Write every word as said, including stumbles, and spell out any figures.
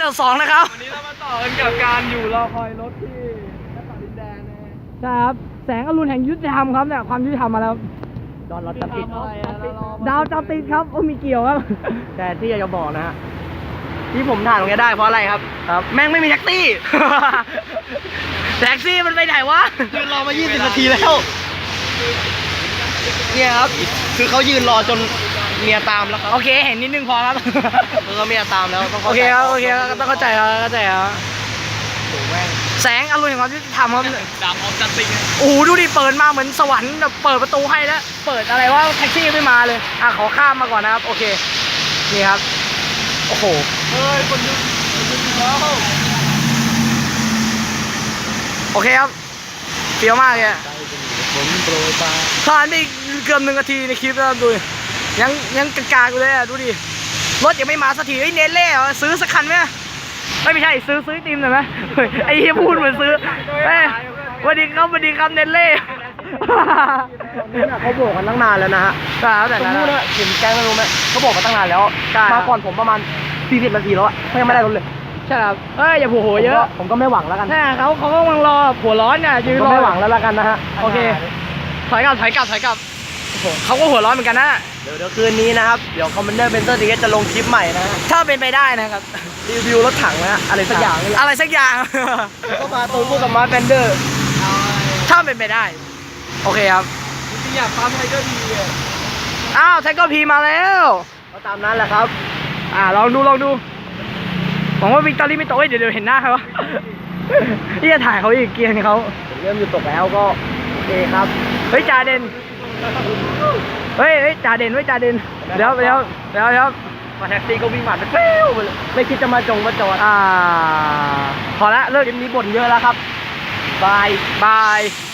กิดสองนะครับวันนี้เรามาต่อกันกับการอยู่รอคอยรถที่หน้าต่างดินแดงนะใช่ครับแสงอรุณแห่งยุติธรรมครับเนี่ยความยุติธรรมมาแล้วดอนรถจับติดดาวจับติดครับโอ้มีเกี่ยวครับแต่ที่อยากจะบอกนะฮะที่ผมถ่ายตรงนี้ได้เพราะอะไรครับครับแม่งไม่มีแท็กซี่แท็กซี่มันไปไหนวะยืนรอมายี่สิบนาทีแล้วเนี่ยครับคือเขายืนรอจนเมียตามแล้วครับโอเคเห็นนิดนึงพอครับคือเขาเมียตามแล้วโอเคครับโอเคต้องเข้าใจครับเข้าใจครับแสงอรุณแห่งความยุติธรรมครับดาวออฟจัสติงโอ้โหดูดิเปิดมาเหมือนสวรรค์แบบเปิดประตูให้แล้วเปิดอะไรว่าแท็กซี่ไม่มาเลยอ่ะขอข้ามมาก่อนนะครับโอเคนี่ครับโอ้โหเฮ้ยคนยุคนยุแล้วโอเคครับเปรี้ยวมากเลยผมโปรยปลาผ่านไปเกือบหนึ่งนาทีในคลิปแล้วดูยังยังกากๆอยู่เลยอ่ะดูดิรถยังไม่มาสักทีไอ้เนเล่ซื้อสักคันไหมไม่ไม่ใช่ซื้อซื้อติมหน่อยไหมไอ้เฮียพูดเหมือนซื้อเฮ้ยวันดีครับวันดีครับเนเล่เขาบอกกันตั้งนานแล้วนะฮะครับแต่สมมติว่าเห็นแกงไม่รู้ไหมเขาบอกกันตั้งนานแล้วมาก่อนผมประมาณสี่สิบนาทีแล้วเขายังไม่ได้รถเลยใช่ครับเอ้ยอย่าโผล่เยอะผมก็ไม่หวังแล้วกันใช่เขาเขาก็กำลังรอหัวร้อนเนี่ยยืนรอไม่หวังแล้วละกันนะฮะโอเคถอยกลับถอยกลับถอยกลับเขาก็หัวร้อนเหมือนกันนะเดี๋ยวเดี๋ยวคืนนี้นะครับเดี๋ยวคอมมานเดอร์เบนเซอร์ทีจะลงคลิปใหม่นะถ้าเป็นไปได้นะครับรีวิวรถถังนะอะไรสักอย่างอะไรสักอย่างก็มาตูนพูดกับมาร์คแบนเดอร์ถ้าเป็นไปได้โอเคครับจริงๆอยากปั๊มไทเกอร์พีอ้าวไทเกอร์พีมาแล้วก็ตามนั้นแหละครับอ่าลองดูลองดูหวังว่าวิกตอรี่ไม่ตกเดี๋ยวเดี๋ยวเห็นหน้าเขาที่จะถ่ายเขาอีกเกียร์เขาเริ่มอยู่ตกแล้วก็โอเคครับเฮ้ยจ่าเด่นเฮ้ยเฮ้ยจ่าเด่นเฮ้ยจ่าเด่นเดี๋ยวเดี๋ยวเดี๋ยวเดี๋ยวมาแท็กซี่ก็วิ่งผ่านไปเฟ้วไปเลยไม่คิดจะมาจงมาจอดอ่าพอละเลิกคลิปนี้บ่นเยอะแล้วครับบายบาย